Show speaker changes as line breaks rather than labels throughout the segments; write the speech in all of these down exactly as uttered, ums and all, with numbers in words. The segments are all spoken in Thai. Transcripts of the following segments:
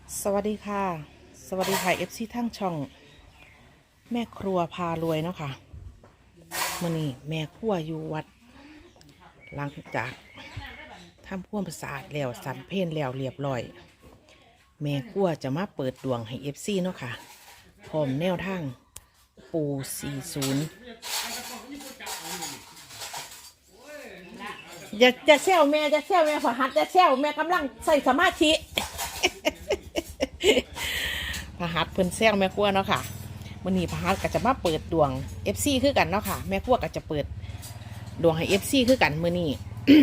สวัสดีค่ะสวัสดีค่ะเอฟซีทั้งช่องแม่ครัวพารวยเนาะค่ะมื่อนี้แม่ครัวอยู่วัดหลังจากทำพ่วงประสาทแล้วสันเพลแล้วเรียบร้อยแม่ครัวจะมาเปิดดวงให้เอฟซีเนาะค่ะพร้อมแนวทางปูสี่ศูนย์อย่าจะแซวแม่จะแซวแม่ขอหัดจะแซวแม่กำลังใส่สมาธิ พหัสเพิ่นแซงแม่ครัวเนาะค่ะมื้อนี้พหัสก็จะมาเปิดดวง เอฟ ซี คือกันเนาะค่ะแม่ครัวก็จะเปิดดวงให้ เอฟ ซี คือกันมื้อนี้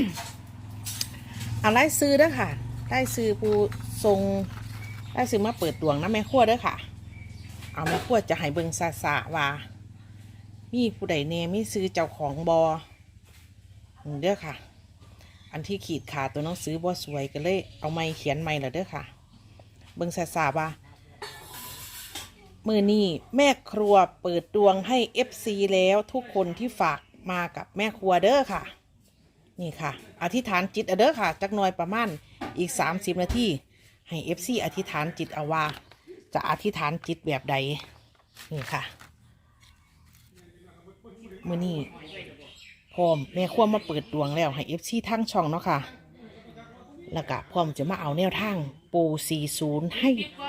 เอาไล่ซื้อเด้อค่ะได้ซื้อผู้ทรงได้ซื้อมาเปิดดวงนะแม่ครัวเด้อค่ะเอาแม่ครัวจะให้เบิ่งซาซาว่ามีผู้ใดแน่มีซื้อเจ้าของบอเด้อค่ะอันที่ขีดขาตัวหนังสือบ่สวยก็เลยเอาไม้เขียนไม้ละเด้อค่ะเบิ่งซาซาว่ามือนี้แม่ครัวเปิดดวงให้ เอฟ ซี แล้วทุกคนที่ฝากมากับแม่ครัวเด้อค่ะนี่ค่ะอธิษฐานจิตเด้อค่ะจักหน่อยประมาณอีกสามสิบนาทีให้ เอฟ ซี อธิษฐานจิตเอาว่าจะอธิษฐานจิตแบบใดนี่ค่ะมือนี้พร้อมแม่ครัวมาเปิดดวงแล้วให้ เอฟ ซี ทั้งช่องเนาะค่ะแล้วก็พร้อมจะมาเอาแนวทางปูสี่ศูนย์ให้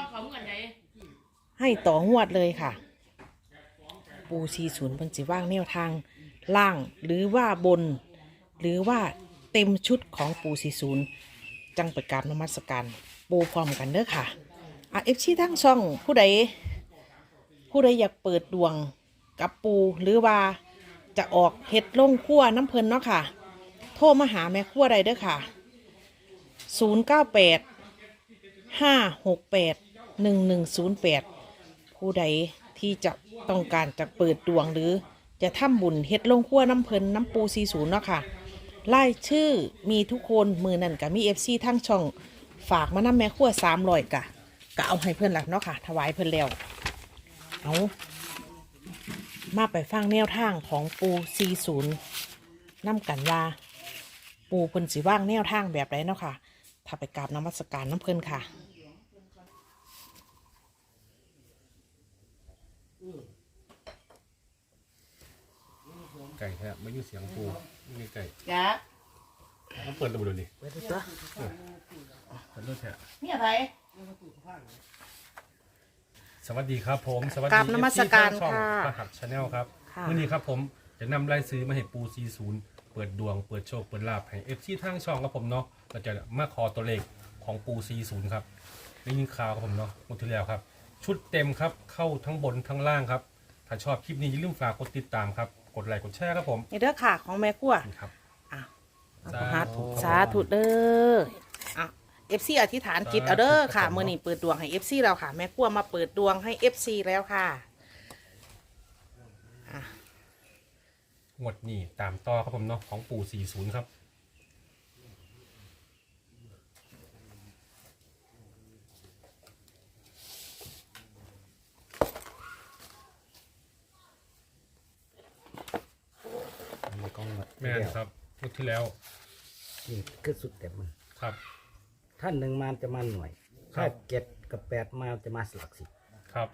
ให้ต่องวดเลยค่ะปูสี่ศูนย์เพิ่นสิว่างแนวทางล่างหรือว่าบนหรือว่าเต็มชุดของปูสี่ศูนย์จังประกาศนมัสการปูพร้อมกันเด้อค่ะอ่ะเอฟซีทั้งช่องผู้ใดผู้ใดอยากเปิดดวงกับปูหรือว่าจะออกเห็ดลงคั่วน้ำเพลินเนาะค่ะโทรมาหาแม่คั่วใดเด้อค่ะศูนย์เก้าแปดห้าหกแปดหนึ่งหนึ่งศูนย์แปดผู้ใดที่จะต้องการจะเปิดดวงหรือจะทำบุญเฮ็ดลงคั่วน้ำเพลินน้ำปูสี่ศูนย์เนาะค่ะไล่ชื่อมีทุกคนมือนั่นกับมีเอฟซีทั้งช่องฝากมานำแม่คั่วสามร้อยกะก็เอาให้เพื่อนหลักเนาะค่ะถวายเพื่อนแล้วเอามาไปฟังแนวทางของปูสี่ศูนย์นำกันว่าปูเพิ่นสิว่างแนวทางแบบไรเนาะค่ะถ้าไปกราบนมัสการน้ำเพิ่นค่ะ
ไก่แท้ไม่ยุ่เสียงปูไม่ไก่
จ้า
ต้องเปิดระบบดูดิ
เปิดตัว
เปิดรถแท้
นี่อะไร
สวัสดีครับผมสวัสดี
กราบนมัสการ
ช่อง
ค่ะ
พระหัตชาแนลครับ
ค่ะ
วันนี้ครับผมจะนำรายซื้อมาให้ปูซีศูนย์เปิดดวงเปิดโชคเปิดลาภให้เอฟซีทางช่องครับผมเนาะเราจะมาขอตัวเลขของปูซีศูนย์ครับได้ยินข่าวครับผมเนาะหมดที่แล้วครับชุดเต็มครับเข้าทั้งบนทั้งล่างครับถ้าชอบคลิปนี้อย่าลืมฝากกดติดตามครับกดไลค์กดแชร์ครับผม
นี่เด้อค่ะของแม่คั่ว
นี่ครับ
อ่ะ
สา
สา
ธุ
ธุสาธุเด้ออ่ะเอฟซีอธิษฐานจิตเอาเด้อค่ะเมื่อนี้เปิดดวงให้เอฟซีแล้วค่ะแม่คั่วมาเปิดดวงให้เอฟซีแล้วค่ะอ่ะ
งวดนี้ตามต่อครับผมเนาะของปูสี่ศูนย์ครับ
มีกล้องหมด
แม่นครับงวดที่แล้ว
นี่คือสุดเต็มมัน
ครับ
ท่านหนึ่งมาจะมาหน่วย
ครั
ถ้า
บ
เจ็ดกับแปดมาจะมาสลักสิบ
ครับ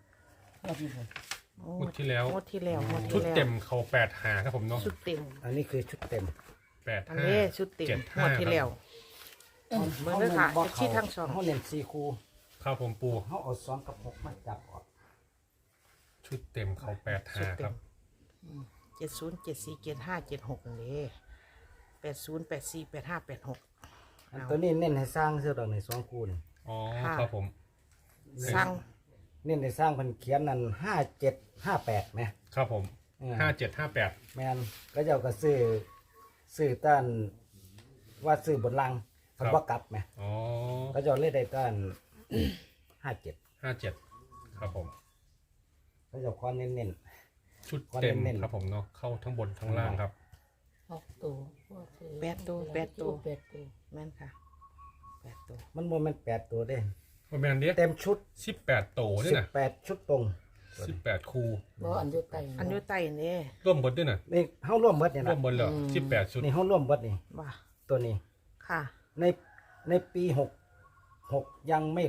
งวดที่แล้ว
งวดที่แล้วงวด
ชุ
ที่
ด
แล้ว
เต็มเขาแปดหาครับผมเนาะ
ชุดเต็ม
อันนี้คือชุดเต็ม
แปด
อัน
ห้า
นี้ชุดเต็ม
เจ็ด
ง
ห้าว
ดที่แล้ว เบิ่งเด้อค่ะ
ขา
เอฟซีทั้งสอง
เขาเน้นสี่คู
ครับผมปู
เขาเอาสองกับหกมาจับออก
ชุดเต็มเขาแปดหาครับ
เจ็ดศูนย์เจ็ดสี่เจ็ดห้าเจ็ดหกนี่แปดศูนย์แปดสี่แปดห้าแปดหก
อันตัวนี้เน้นให้สร้างเสื้อดอกในสองคูน
อ๋อ
ค่ะ
ครับผม
สร้าง
เน้นให้สร้างเพันเขียนนั่นห้าเจ็ดห้าแปดไหม
ครับผม
อืม
ห้าเจ็ดห้าแปด
แมนก็เจ้าก็ซื้อซื้อต้านว่าซื้อบนลังมันว่ากลับไหม
อ๋อ
ก็เจ้าเล่ได้ต้าน ห้าเจ็ด
ห้าเจ็ดครับผม
ก็เจ้าความเน้น
ชุดเต็ม
เน้นๆ
ครับผมเนาะเข้าทั้งบนทั้งล่างครับ
หกตัว
แปดตัวแปดตัว
แปดตัว
แม่นค่ะแปดตัว
ๆมันโมเมนแปดตัวเด้
ประมาณนี้
เต็มชุด
สิบแปดโตด้วย
สิบ
นะ
แปดชุดตรง
สิบแปดคู
บ่อันอยุไต
อันอยุไตนี่
ร่วมบนด้วยนะ
นี่เขาร่วมเบิดเนี่ย
ร่ว
นะ
มบนเหรอสิบแปดชุด
นี่เขาร่วมเบิดนี่
ว่า
ตัวนี้
ค่ะ
ในในปีหกหกยังไม่หลุด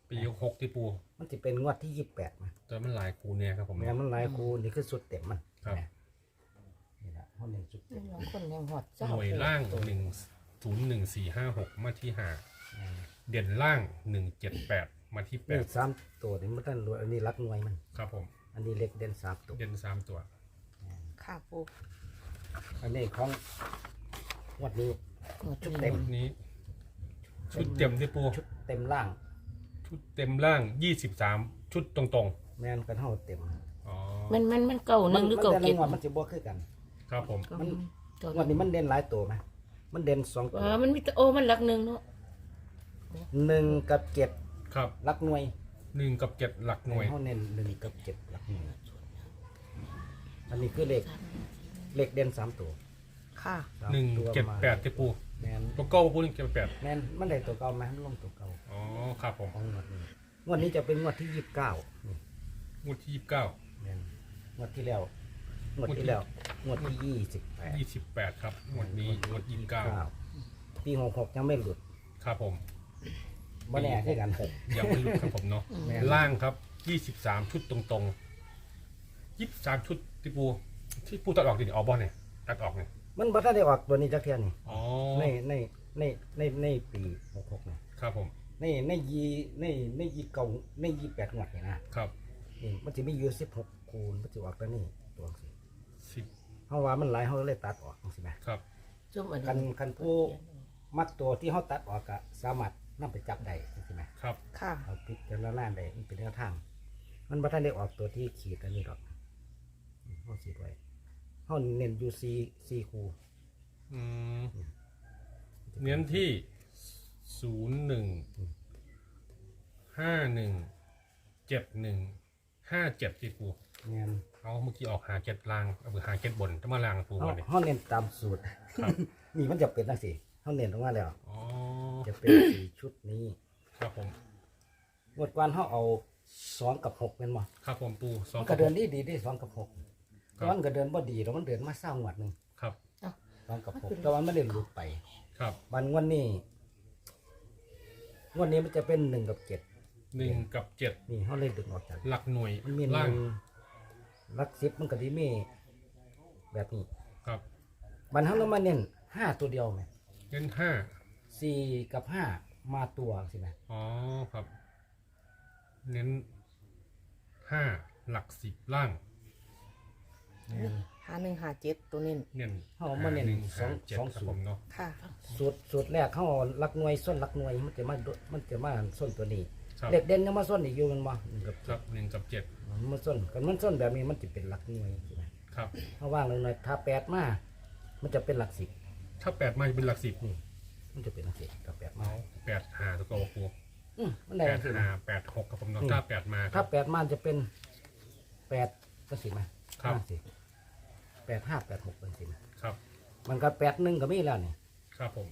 ปีหกที่ปู
มันจะเป็นงวดที่ยี่สิบแปดนะ
แต่มันหลายคูเนี่ยครับผม
แม่นมันหลายคูนี่คือสุดเต็มมัน
ครับ
นี่ละเขาเน้นสุดเต็ม
บางคนยังหอด
ห
เจ้า
น่วยล่างหนึ่งศูนย์หนึ่งสี่ห้าหกมาที่ห้าเด่นล่างหนึ่งเจ็ดแปดมาที่แป
นี่
ด
สามตัวนี่มันตั้งรวยอันนี้รักหน่วยมัน
ครับผม
อันนี้เล็กเด่นสามตัว
เด่นสามตัว
ค่ะปู
อันนี้ของงวดนี้ ชุดเต็ม
นี้ ชุดเต็มที่ปู
ชุดเต็มล่าง
ชุดเต็มล่างยี่สิบสามชุดตรง
แม่นกันเท่าเต็ม
ๆอ๋อ
มันมันมันเก่าหนึ่งหรือเก่า
แต่ละ
เจ็ด
งวดมันจะบวกขึ้นกัน
ครับผม
มัน
เก่าง
วดนี้มันเด่นหลายตัวไหมมันเด่นสองตัว
เออมันมีแต่โอ้มันหลักหนึ่งเนาะ
หนึ่งกับเจ็ด
ครับ
รักหน่วย
หนึ่งกับเจ็ดหลักหน่วย
เขาเน้นหนึ่งกับเจ็ดรักหน่วยอันนี้คือเลขเลขเด่นสามตัว
ค่ะ
สาม
หนึ่ง
ตัว
เจ็ด
มา
แปดที่ปู
แม่น
ตัวเก้าปูหนึ่งเจ็ดแปด
แม่นมันได้ตัวเก่าไหมมันลงตัวเก่า
อ๋อครับผม
ของงวดนี้งวดนี้จะเป็นงวดที่ยี่สิบเก้านี่
งวดที่ยี่สิบเก้า
แม่นงวดที่แล้วงวดที่แล้วงวดที่ยี่สิบแปด
ยี่สิบแปดครับงวดนี้งวดยี่สิบเก้า
ปีหกหกยังไม่หลุด
ครับผม
บ่แน่ใช่กัน
ยังไม่หลุดครับผมเนาะ
แม่น
ล่างครับยี่สิบสามชุดตรงๆยี่สิบสามชุดที่ปูที่ปูตัดออกดิออกบอลเนี่ยตัดออกเนี่ย
มันบ่ทันได้ออกตัวนี้จักเทียนี่
อ๋อ
ในในในในในปีหกหกนี่
ครับผม
ในในยีในในยีเก่าในยีแปดงวดนี่นะครับ นี่มันจะมีอยู่สิบหกคูณมันจะออกตัวนี้ตัวสิ
สิบ
เฮาว่ามันหลายเฮาเลยตัดออกจังซี่แหม
ครับ
จุ่มอัน
คันคันผู้มักตัวที่เฮาตัดออกก็สามารถนำไปจับได้จังซี่แหม
ครับ
ค่ะ
เอาพิจารณาได้มันเป็นแนวทาง มันบ่ทันได้ออกตัวที่ขีดอันนี้ดอกเฮาขีดไว้เฮาเน้นอยู่สี่ 4คู
อืมเน้นที่ศูนย์หนึ่งห้าหนึ่งเจ็ดหนึ่งห้าเจ็ดที่ปู
แม่น
เอาเมื่อกี้ออกหาเจ็ดลางเอาไปหาเจ็ดบนจะมาลางปู
เฮา
วันนี้
เฮาเน้นตามสูตร
ครับ
นี่มันจะเป็นจังซี่เฮาเน้นออกมาแล้ว
อ๋อ
จะเป็นสี่ชุดนี้
ครับผม
งวดก่อนเฮาเอาสองกับหกแม่นบ่
ครับผมปูสอง
มันก็เดินดีดีได้สองกับหก
ครั
แต่
บ
ว่ามันก็เดินบ่ดีแล้วมันเดินมาเศร้างวดหนึง
ครับ
สองกับหกแต่ว่ามันไม่ได้หลุดไป
ครับ
วันงวดนี้งวดนี้มันจะเป็นหนึ่งกับเจ็ด
หนึ่งกับเจ็ด
นี่เขาเลยดึงออกจาก
หลักหน่วย
มันมีห
ล่า
นึ่
ง
งลักสิบมันก็ดีมีแบบนี้
ครับ
บันเขาเรามาเน้นห้าตัวเดียวไหม
เน้นห้า
สี่กับห้ามาตัวสิไหม
อ๋อครับ เน้นห้าหลักสิบล่าง
หาหนึ่งหาเจ็ดตัวนี้
เน้น
เขามาเน้น
หนึ่ง
สอ
ห้าง เจ็ด
สอง
ครับ
สู
ผ
ต
ม
ร
เนาะ
ค่ะ
สูตรสูตรแรกเขาเอาลักหน่วยส้นลักหน่วยมันจะมาโดมันจะมาส้นตัวนี้
ครับ
เด็กเด่นยังมาส้นอีกอยู่มันบ่หนึ่งกับ
ค
เจ็
รั
ด
บหนึ่งกับเจ็ด
มันส้นกันมันส้นแบบนี้มันจะเป็นหลักหน่วยใช่ไหม
ครับ
ถ้าว่างเลยหน่อยถ้าแปดมา มันจะเป็นหลักสิบ
ถ้าแปดมาจะเป็นหลักสิบ
นี่ มันจะเป็นหลักสิบถ้าแปดมา
เอาแปดหาตัวโกครู
อืมมันได้
แป
หลั
ด
กสิบ
หาแปดหกครับผมเนาะ
อืม
ถ้าแปดมา
ถ้าแปดมาจะเป็นแปดก็สิมา
ครับ
ห้าสิแปดห้าแปดหกเป็นสิมา
ครับ
มันก็แปดหนึ่งก็มีแล้วนี่
ครับผม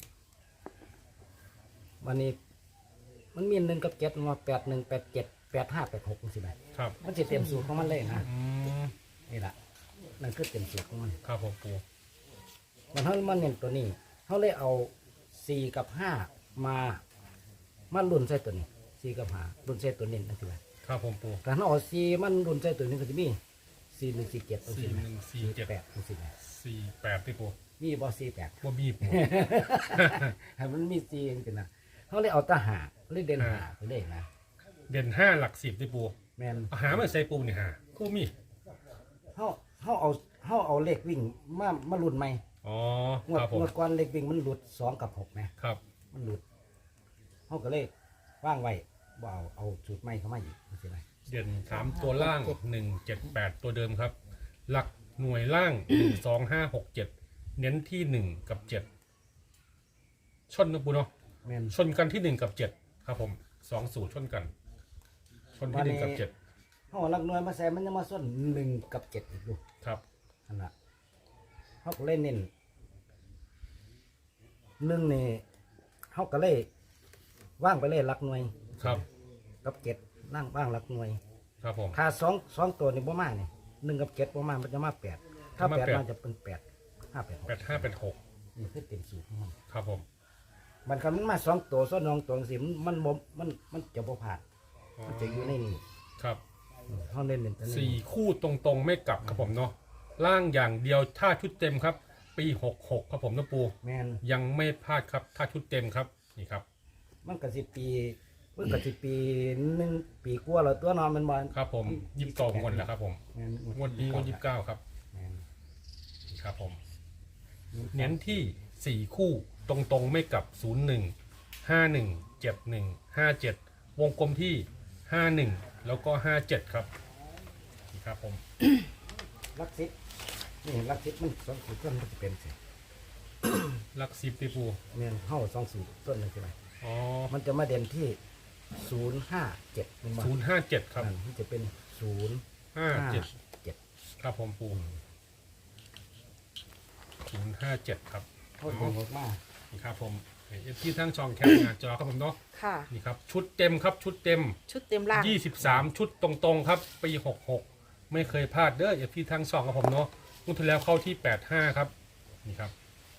วันนี้ มันมีหนึ่งกับเจ็ดมาแปดหนึ่งแปดเจ็ดแปดห้าแปดหกเป็นสิมา
ครับ
มันจะเต็มสูตรของมันเลยนะ
อืม
นี่แหละนั่นคือเต็มสูตรของมัน
ครับผมปู
มันเขามันเน้นตัวนี้เขาเลยเอาสี่กับห้ามา มาลุ่นใส่ตัวนี้สี่กับห้าลุ่นใส่ตัวนี้นั่นคือ
ครับผมปู
แต่ถ้าเอาสี่มันลุ่นใส่ตัวนี้ก็จะมีสี่หนึ่งสี่เจ็ดเป็น
สี่
สิ
หนึ่งสี่เจ็ด
แปดเป็นสิมา
สี่แปดที่ปู
มีบอสี่แปด
ว่าบีบปู
ให้มันมีซีจริงๆนะเขาเลยเอาตาหาเลยเด่นหาไปเลยนะ
เด่นห้าหลักสิบที่ปู
แมน
เอาหามาใส่ปูนี่หาคู่มี
เขาเขาเอาเขาเอาเลขวิ่งมามาหลุดไหม
อ๋อ
งวด
ครับผม
งวดก่อนเลขวิ่งมันหลุดสองกับหกไหม
ครับ
มันหลุดเขาก็เลยว่างไว้บ่เอาเอาจุดใหม่เข้ามาอีกใช่ไหม
เด่นสามตัวล่างหนึ่งเจ็ดแปดตัวเดิมครับ หลักหน่วยล่างหนึ่งสองห้าหกเจ็ดเน้นที่หนึ่งกับเจ็ดชนนะปูเนาะ
แมน
ชนกันที่หนึ่งกับเจ็ดครับผมสองสูตรชนกัน ชนที่หนึ่งกับเจ็ด
เขาเอาหลักหน่วยมาใส่มันจะมาส้นหนึ่งกับเจ็ดอีกดู
ครับ
นั่นแหละเขาก็เลยเน้นหนึ่งนี่เขาก็เลยว่างไปเลยหลักหน่วย
ครับ
กับเจ็ดนั่งว่างหลักหน่วย
ครับผม
ถ้าสองสองตัวนี่บ่มาเนี่ยหนึ่งกับเจ็ดบ่มามันจะมาแปดถ้า
มา
แปด
แปด
มาจะเป็นแปดห้าแปดหก
แปดห้าแปดหก
นี่คือเต็มสูตรของมัน
ครับผม
มันคันมันมาสองตัวซ้อนนองตัวสิมันมันบ่มันมันจะบ่ผ่าน
อ๋อ
มันจะอยู่ในนี่
ครับ
เขาเน้นเป็นตัวนี้
สี่คู่ตรงๆไม่กลับครับผมเนาะล่างอย่างเดียวถ้าชุดเต็มครับ ปีหกหกครับผมนะปู
แมน
ยังไม่พลาดครับถ้าชุดเต็มครับนี่ครับ
มันก็สิปีมันก็สิปีหนึ่งปีกว่าแล้วตัวนอนมันบอล
ครับผมยิบสองคนแล้วครับผม
แมน
งวดนี้งวดยี่สิบเก้าครับ
แมน
นี่ครับผมเน้นที่สี่คู่ตรงๆไม่กลับศูนย์หนึ่งห้าหนึ่งเจ็ดหนึ่งห้าเจ็ดวงกลมที่ห้าหนึ่งแล้วก็ห้าเจ็ดครับนี่ครับผม
ลักซิปนี่ลักซิปมันสองสูตรต้นมันจะเป็นสิ
หลักสิบตีปู
แมนเข้าสองสูตรต้นนึงใช่ไหม
อ๋อ
มันจะมาเด่นที่ศูนย์ห้าเจ็ดมันบอ
ศูนย์ห้าเจ็ดครับ
มันจะเป็นศูนย์
ห้า
ห้า
เจ็ด
เจ็ด
ครับผมปูศูนย์ห้าเจ็ดครับ
เข้าตรงมาก
นี่ครับผมเอฟที่ทั้งช่องแคปหน้าจอครับผมเนาะ
ค่ะ
นี่ครับชุดเต็มครับชุดเต็ม
ชุดเต็มล่าง
ยี่สิบสามชุดตรงๆครับปีหกหกไม่เคยพลาดเด้อเอฟที่ทั้งช่องครับผมเนาะงวดที่แล้วเข้าที่แปดห้าครับนี่ครับ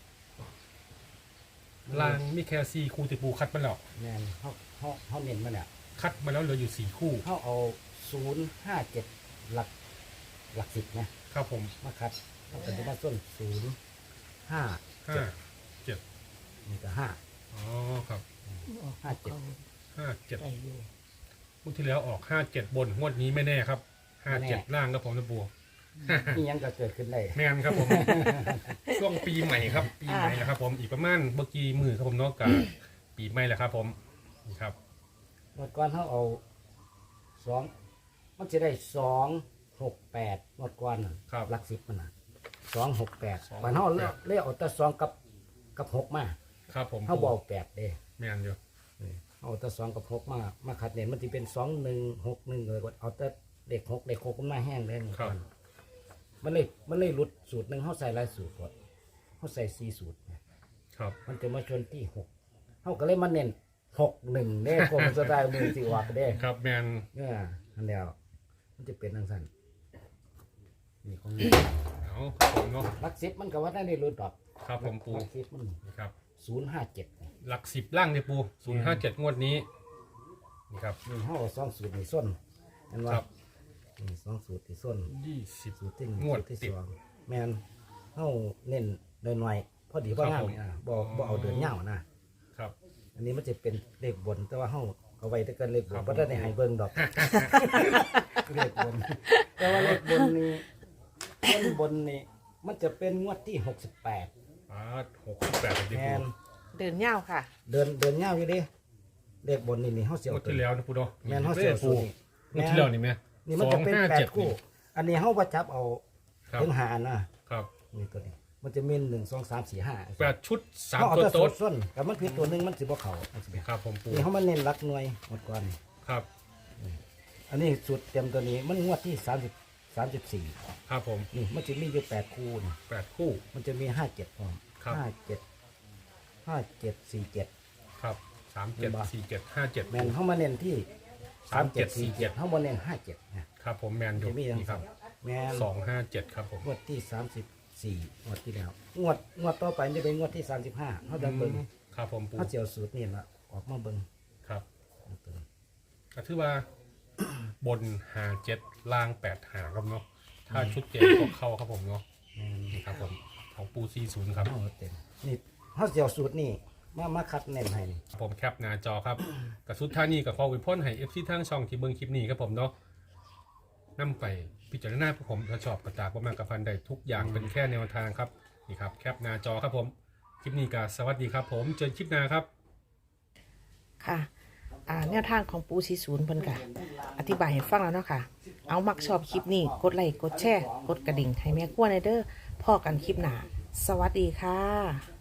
ลางมีแค่สี่คู่ติปูคัดมาแล้ว
แมนเขาเขาเขาเน้นมาเนี่ย
คัดมาแล้วเหลืออยู่สี่คู่
เขาเอาศูนย์ห้าเจ็ดหลักหลักสิบนะครับ
ผม
มาคัดเขาเป็นมาส้นศูนย์ห้า
ห้าเจ็ด
นี่ก็ห้า
อ๋อครับ
ห้าเจ็ด
ห้าเจ็ด
ได้อยู่
งวดที่แล้วออกห้าเจ็ดบนงวดนี้ไม่แน่ครับห้าเจ็ดล่างครับผมนะปู
นี่ยังก็เกิดขึ้นได้
แม่นครับผม ช่วงปีใหม่ครับ ปีใหม่แล้วครับ ผมอีกประมาณเมื่อกี้มือครับผมเนอกจากปีใหม่แล้วครับ ผมนี่ครับ
หมดก่อนเขาเอาสองมันจะได้สองหกแปดหมดก่อนน่ะ
ครับ
หลักสิบมันนะสองหกแปด
สองหกแปด
ก่อนเขาเลือกเลือกเอาแต่สองกับกับหกมา
ครับผม
เขาบอกแปดเด้
แม่นอยู่
เอาแต่สองกับหกมามาขัดเนี่ยมันจะเป็นสองหนึ่งหกหนึ่งเลยก็เอาแต่เด็กหกเด็กหกมันมาแห้งเลยหมด
ครับ
ก่อนมันเลยมันเลยหลุดสูตรหนึ่งเขาใส่หลายสูตรหมดเขาใส่สี่สูตร
ครับ
มันจะมาชนที่หกเขาก็เลยมาเน้นหกหนึ่งเด้กรมสไตล์มือสิวักเด้
ครับแม่น
เนี่ยอันเดียวมันจะเป็นทังสั้นนี่ของนี่
เอาครับผมเนาะ
ลักซิปมันก็ว่าได้ในรุ่นดอก
ครับผมปู
ลักซิปมัน
นี่ครับ
ศูนย์ห้าเจ็ด
หลักสิบล่างเนี่ยปูศูนย์ห้าเจ็ดงวดนี้นี่ครับ
นี่ห้าสองสูตรในส้นเห็นว่า
ครับ
นี่สองสูตรที่ส้น
ยี่สิบ
สูตรที่หนึ่ง
งวด
สูตรที่
ติด
สองแมนเขาเน้นหน่อยๆพอดีบ่
ครับ
งาม
ผม
อ่ะบ่บ่เอาเดินเงานะครับ อันนี้มันจะเป็นเลขบนแต่ว่าเขาเอาไว้แต่กันเลขบ
ครั
น
บ
บ่ได้ให้เบิ่งดอก เลขบน แต่ว่าเลขบนนี่เลขบนนี่มันจะเป็นงวดที่หกสิบแปด
อ่าหกสิบแปดเลยดิ
แม
ปู
น
เดินยาวค่ะ
เดินเดินเงาอยู่ดิเลขบนนี่นี่เฮาเสียว
งวดที่แล้วนะปูเนาะ
แมนเฮาเสียว
ปู
สูตรง
วดที่แล้วนี่ไหม
นี่มันจะเป็น
สองห้า
แป
เจ็
ด
ด
คู่ อันนี้เฮาบ่จับเอา
ครับ
ถึงหานะครับ นี่ตัวนี้ มันจะมีหนึ่งสองสามสี่ห้า
แปดชุดสาม
เฮาเอา
ตัว
แต่
โต๊ด
ส้นแต่มันผิดตัวหนึงมันสิบ่เข้ามันสิเป็น
ครับผมปู
นี่เฮามาเน้นหลักหน่วยหมดก่อน
ครับ
อันนี้สูตรเต็มตัวนี้มันงวดที่สามสิบ สามสิบสี่
ครับผม
นี่มันจะมีอยู่แปดคู่นี่
แปดคู่
มันจะมีห้าเจ็ดพร้อม
ครับ
ห้าเจ็ดห้าเจ็ดสี่เจ็ด
ครับสามเจ็ดสี่เจ็ดห้าเจ็ด
แมนเข้ามาเน้นที่
สามเจ็ดสี่เจ็ด
เข้ามาเน้นห้าเจ็ดนะครับ
ผมแมนอยู่
จะมีอย่าง
นี่ครับ
แมน
สองห้าเจ็ดครับผม
งวดที่สามสิบสี่งวดที่แล้วงวดงวดต่อไปจะเป็นงวดที่สามสิบห้าเขาจะเบิ้ง
ครับผมปู
เขาเจียวสูตรนี่ละออกมาเบิ้ง
ครับก็ถือว่า บนหาเจ็ดล่างแปดหาครับเนาะถ้าชุดเจ็ดก็เข้าครับผมเนาะ
แมน
นี่ครับผมของปูซีศูนย์ครับ
เอาเต็มนี่เขาเจียวสูตรนี่มามาคัดเน้นให้นี่
ผมแคปหน้าจอครับกับสุดท้ายนี้กับขออวยพรให้เอฟซีทั้งช่องที่เบิ่งคลิปนี้ครับผมเนาะนำไปพิจารณาพวกผมถ้าชอบกระตากประมาณกับพันใดทุกอย่างเป็นแค่แนวทางครับนี่ครับแคปหน้าจอครับผมคลิปนี้ก็สวัสดีครับผมเจอคลิปหน้าครับ
ค่ะอ่าแนวทางของปูซีศูนย์เพิ่นค่ะอธิบายให้ฟังแล้วเนาะค่ะ เอามักชอบคลิปนี้กดไลค์กดแชร์กดกระดิ่งให้แม่กลัวในเด้อพ่อกันคลิปหน้าสวัสดีค่ะ